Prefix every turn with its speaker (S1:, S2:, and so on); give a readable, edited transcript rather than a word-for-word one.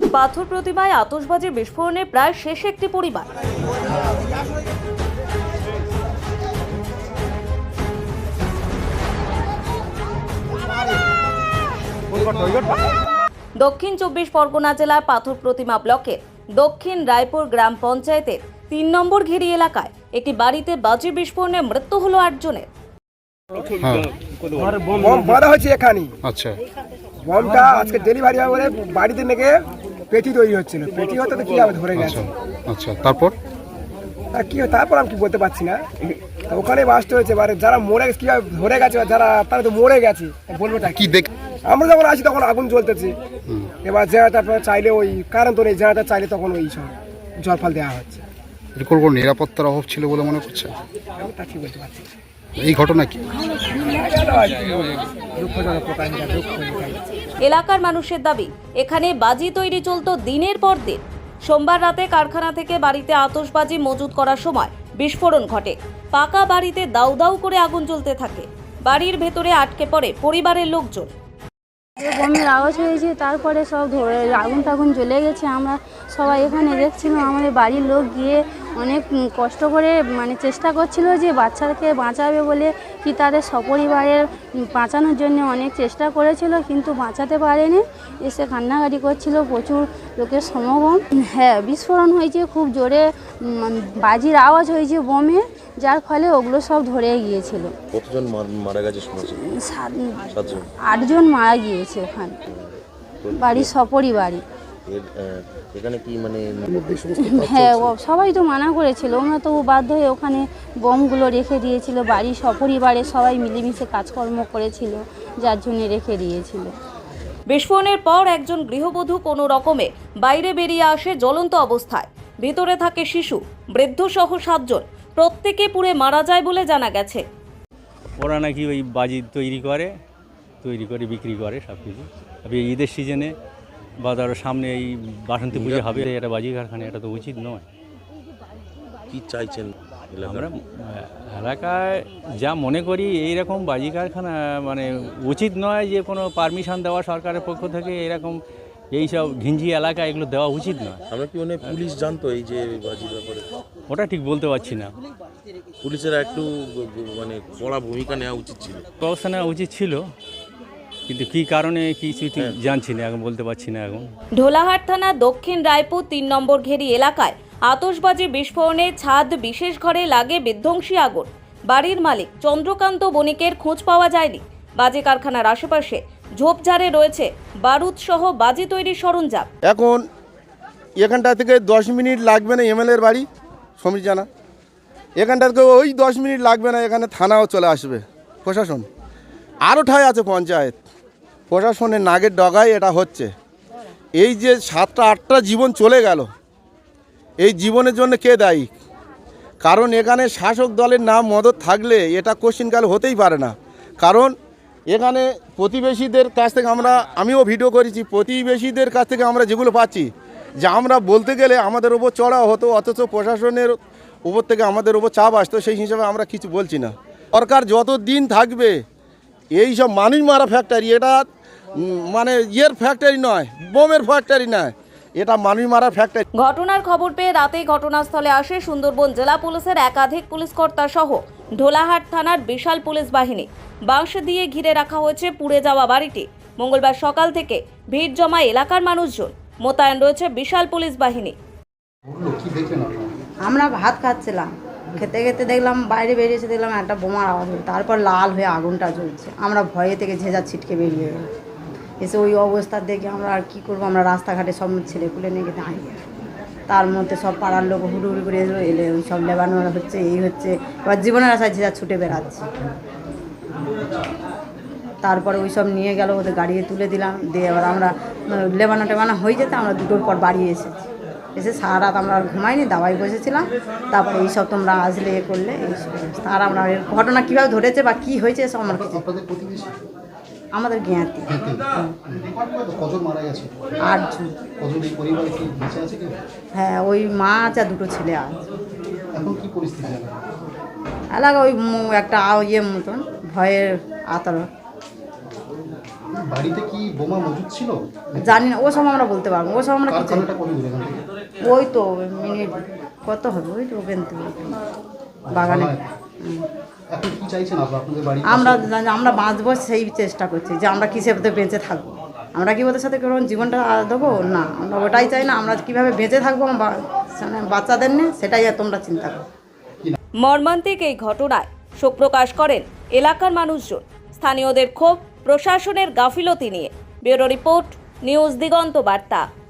S1: পাথর প্রতিমায় আতশবাজি বিস্ফোরণে প্রায় শেষ একটি পরিবার। দক্ষিণ 24 পরগনা জেলার পাথর প্রতিমা ব্লকের দক্ষিণ রায়পুর গ্রাম পঞ্চায়েতের 3 নম্বর ঘেরি এলাকায় একটি বাড়িতে বাজি বিস্ফোরণে মৃত্যু হলো 8 জনের।
S2: বম বাঁধা হচ্ছে এখানে।
S3: আচ্ছা,
S2: বমটা আজকে ডেলিভারি হবে বলে বাড়িতে নেগে পেটি তৈরি হচ্ছিল। পেটি হতে তো কি হবে, ধরে গেছে।
S3: আচ্ছা, তারপর
S2: আর কি তারপর আমি কি বলতে পারছি না। তো ওখানে বাস্ট হয়েছে, এবারে যারা মরে গেছে কিভাবে ধরে গেছে, যারা তারা তো মরে গেছে, বলবোটা
S3: কি দেখ
S2: আমরা যখন আসি তখন আগুন জ্বলতেছে। এবার জেনারেটার চাইলে ওই কারণ তো নেই, জেনারেটার চাইলে তখন ওই সব জল ফল দেওয়া হচ্ছে।
S3: এরকম কোনো নিরাপত্তার অভাব ছিল বলে মনে করছে?
S2: আমি তা কি বলতে পারছি না।
S3: এই ঘটনা কি
S2: দুঃখজনক প্রকাশ, দুঃখ।
S1: এলাকার মানুষের দাবি, এখানে বাজি তৈরি চলতো দিনের পর দিন। সোমবার রাতে কারখানা থেকে বাড়িতে আতশবাজি মজুত করার সময় বিস্ফোরণ ঘটে। পাকা বাড়িতে দাউ দাউ করে আগুন জ্বলতে থাকে। বাড়ির ভেতরে আটকে পড়ে পরিবারের লোকজন।
S4: বমের আওয়াজ হয়েছে, তারপরে সব ধরে আগুন টাগুন জ্বলে গেছে। আমরা সবাই এখানে দেখছিলাম, আমাদের বাড়ির লোক গিয়ে অনেক কষ্ট করে চেষ্টা করছিল যে বাচ্চাকে বাঁচাবে বলে, কি তাদের সপরিবারের বাঁচানোর জন্য অনেক চেষ্টা করেছিল, কিন্তু বাঁচাতে পারেনি। এসে কান্নাকাটি করছিল, প্রচুর লোকের সমাগম। হ্যাঁ, বিস্ফোরণ হয়েছে, খুব জোরে বাজির আওয়াজ হয়েছে বোমে, যার ফলে ওগুলো সব ধরে গিয়েছিল।
S5: কতজন মারা গেছে শুনেছি?
S4: 8 জন মারা গিয়েছে ওখানে, বাড়ির সপরিবারই।
S5: এখানে কি
S4: হ্যাঁ, সবাই তো মানা করেছিল, ওরা তো বাধ্য হয়ে ওখানে বোমগুলো রেখে দিয়েছিল। বাড়ির সপরিবারে সবাই মিলেমিশে কাজকর্ম করেছিল, যার জন্য রেখে দিয়েছিল।
S1: বিস্ফোরণের পর একজন গৃহবধূ কোনো রকমে বাইরে বেরিয়ে আসে জ্বলন্ত অবস্থায়। ভিতরে থাকে শিশু, বৃদ্ধ সহ 7 জন। প্রত্যেকে পুড়ে মারা যায় বলে জানা গেছে।
S6: ওরা নাকি ওই বাজি তৈরি করে বিক্রি করে সব কিছু। এই ঈদের সিজনে বা তার সামনে এই বাসন্তী পুজো হবে, এটা বাজি কারখানা, এটা তো উচিত নয়।
S5: কি চাইছেন?
S6: আমরা এলাকায় যা মনে করি, এইরকম বাজি কারখানা উচিত নয়, যে কোনো পারমিশন দেওয়া সরকারের পক্ষ থেকে এরকম এইসব ঘিঞ্জি এলাকা এগুলো দেওয়া উচিত নয়।
S5: আমরা কি পুলিশ জানতো এই যে বাজির ব্যাপারে?
S6: ওটা ঠিক বলতে পারছি না।
S5: পুলিশের একটু কড়া ভূমিকা নেওয়া উচিত ছিল,
S6: ব্যবস্থা নেওয়া উচিত ছিল, কিন্তু কি কারণে কিছু জানছি না, এখন বলতে পারছি না। এখন
S1: ঢোলাহাট থানা দক্ষিণ রায়পুর 3 নম্বর ঘেরি এলাকায় আতশবাজি বিস্ফোরণে ছাদ বিশেষ ঘরে লাগে বিধ্বংসী আগুন। বাড়ির মালিক চন্দ্রকান্ত বণিকের খোঁজ পাওয়া যায়নি। বাজি কারখানার আশেপাশে ঝোপঝাড়ে রয়েছে বারুদ সহ বাজি তৈরির সরঞ্জাম।
S7: এখন এখানটা থেকে 10 মিনিট লাগবে না এমএলএর বাড়ি সমীর জানা, এখানটা থেকে ওই 10 মিনিট লাগবে না, এখানে থানাও চলে আসবে প্রশাসন। আরও ঠাই আছে পঞ্চায়েত, প্রশাসনের নাগের ডগায় এটা হচ্ছে। এই যে 7টা 8টা জীবন চলে গেল, এই জীবনের জন্য কে দায়ী? কারণ এখানে শাসক দলের নাম মদত থাকলে এটা কোশ্চিনকাল হতেই পারে না। কারণ এখানে প্রতিবেশীদের কাছ থেকে আমিও ভিডিও করেছি, প্রতিবেশীদের কাছ থেকে আমরা যেগুলো পাচ্ছি, যে আমরা বলতে গেলে আমাদের ওপর চড়া হতো, অথচ প্রশাসনের উপর থেকে আমাদের ওপর চাপ আসতো, সেই হিসাবে আমরা কিছু বলছি না। সরকার যত দিন থাকবে, এই সব মানুষ মারা ফ্যাক্টরি, এটা ফ্যাক্টরি নয়, বোমের ফ্যাক্টরি নয়, এটা মানুষ মারা ফ্যাক্টরি।
S1: ঘটনার খবর পেয়ে রাতেই ঘটনাস্থলে আসে সুন্দরবন জেলা পুলিশের একাধিক পুলিশকর্তা সহ ঢোলাহাট থানার বিশাল পুলিশ বাহিনী। বাঁশ দিয়ে ঘিরে রাখা হয়েছে পুড়ে যাওয়া বাড়িটি। মঙ্গলবার সকাল থেকে ভিড় জমা এলাকার মানুষজন, মোতায়েন রয়েছে বিশাল পুলিশ বাহিনী।
S8: আমরা ভাত খাচ্ছিলাম, খেতে খেতে দেখলাম বাইরে বেরিয়েছে, দেখলাম একটা বোমার আওয়াজ হলো, তারপর লাল হয়ে আগুনটা জ্বলছে। আমরা ভয়ে থেকে ঝেঁঝা ছিটকে বেরিয়ে গেলাম। এসে ওই অবস্থা দেখে আমরা আর কী করবো, আমরা রাস্তাঘাটে সব ছেলেপুলে নিয়ে দাঁড়িয়ে, তার মধ্যে সব পাড়ার লোক হুড়ুহুড়ি করে এলে ওই সব লেবানো হচ্ছে, এই হচ্ছে। এবার জীবনের আশায় ঝেঁঝা ছুটে বেড়াচ্ছে। তারপরে ওই সব নিয়ে গেল, ওদের গাড়িতে তুলে দিলাম, দিয়ে এবার আমরা লেবানো টেবানো হয়ে যেতে আমরা 2টোর পর বাড়ি এসেছি। এসে সারা রাত আমরা ঘুমাইনি, দাওয়াই বসেছিলাম। তারপরে এইসব তোমরা আসলে করলে এইসব। আর আমরা ঘটনা কীভাবে ধরেছে বা কী হয়েছে সব আমার কিছু, আমাদের জ্ঞাতি। 8 জন। হ্যাঁ, ওই মা আছে আর 2টো ছেলে আছে। এলাকা ওই একটা মতন ভয়ের আতর।
S3: বাড়িতে কি বোমা মজুদ ছিল?
S8: জানি না, ও সব আমরা বলতে পারবো, ও সব আমরা কিছু
S3: কারখানাটা কত দূর এখান থেকে?
S8: ওই তো মিনিট কত হবে, ওই তো ওখান থেকে বাগানে।
S3: এখন কি চাইছেন আপনাদের বাড়ি?
S8: আমরা বাঁচবো সেই চেষ্টা করছি, যে আমরা কিসে বেঁচে থাকবো। আমরা কি ওদের সাথে কোনো জীবনটা দেবো না, আমরা ওটাই চাই না। আমরা কীভাবে বেঁচে থাকবো বাচ্চাদের নিয়ে, সেটাই তোমরা চিন্তা করো।
S1: মর্মান্তিক এই ঘটনায় শোক প্রকাশ করেন এলাকার মানুষজন। স্থানীয়দের ক্ষোভ প্রশাসনের গাফিলতি নিয়ে। ব্যুরো রিপোর্ট, নিউজ দিগন্ত বার্তা।